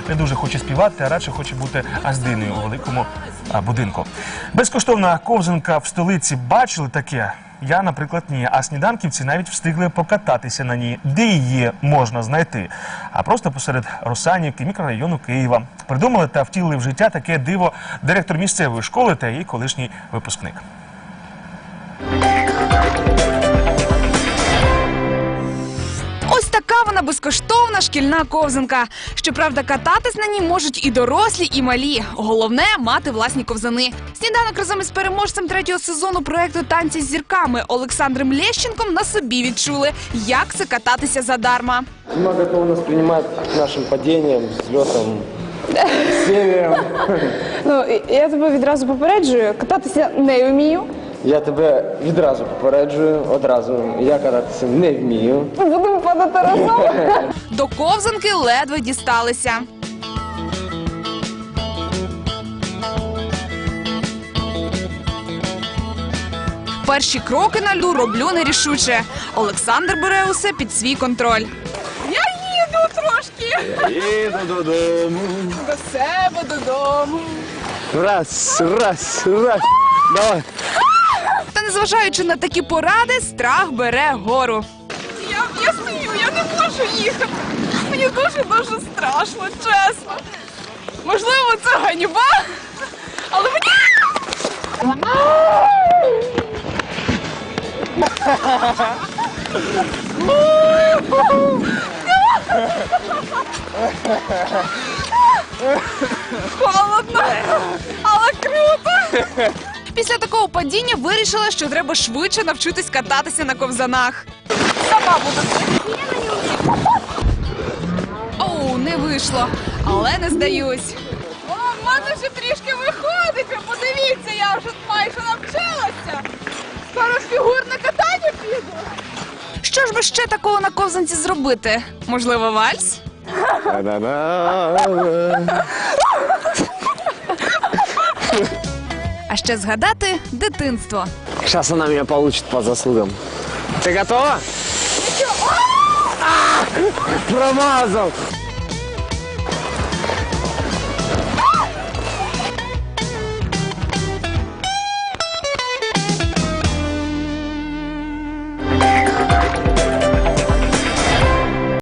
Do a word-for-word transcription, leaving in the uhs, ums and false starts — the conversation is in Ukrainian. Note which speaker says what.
Speaker 1: не дуже хоче співати, а радше хоче бути аздиною у великому а, будинку. Безкоштовна ковзанка в столиці. Бачили таке? Я, наприклад, ні. А сніданківці навіть встигли покататися на ній. Де її можна знайти? А просто посеред Русанівки, мікрорайону Києва. Придумали та втілили в життя таке диво директор місцевої школи та її колишній випускник.
Speaker 2: Ось така вона безкоштовна шкільна ковзанка. Щоправда, кататись на ній можуть і дорослі, і малі. Головне – мати власні ковзани. Сніданок разом із переможцем третього сезону проєкту «Танці з зірками» Олександром Лещенком на собі відчули, як це кататися задарма.
Speaker 3: Много кто у нас принимает нашим падением, взлетом, сериям.
Speaker 4: Ну, я тебе відразу попереджую, кататися не вмію.
Speaker 3: Я тебе відразу попереджую, одразу. Я кататися не вмію.
Speaker 4: Будемо падати разом.
Speaker 2: До ковзанки ледве дісталися. Перші кроки на льду роблю нерішуче. Олександр бере усе під свій контроль. Я їду трошки.
Speaker 3: Я їду додому.
Speaker 2: До себе додому.
Speaker 3: Раз, раз, раз. Давай.
Speaker 2: Та незважаючи на такі поради, страх бере гору. Я, я стою, я не можу їхати. Мені дуже-дуже страшно, чесно. Можливо, це ганьба, але мені... Холодно, але круто. Після такого падіння вирішила, що треба швидше навчитись кататися на ковзанах. Сама буду. Оу, не вийшло, але не здаюсь. О, в мене вже трішки виходить, ви подивіться, я вже майже навчилася. Зараз фігурне катання піду. Що ж би ще такого на ковзанці зробити? Можливо, вальс? А ще згадати дитинство.
Speaker 3: Сейчас она меня получит по заслугам. Ты готова? А! Промазал!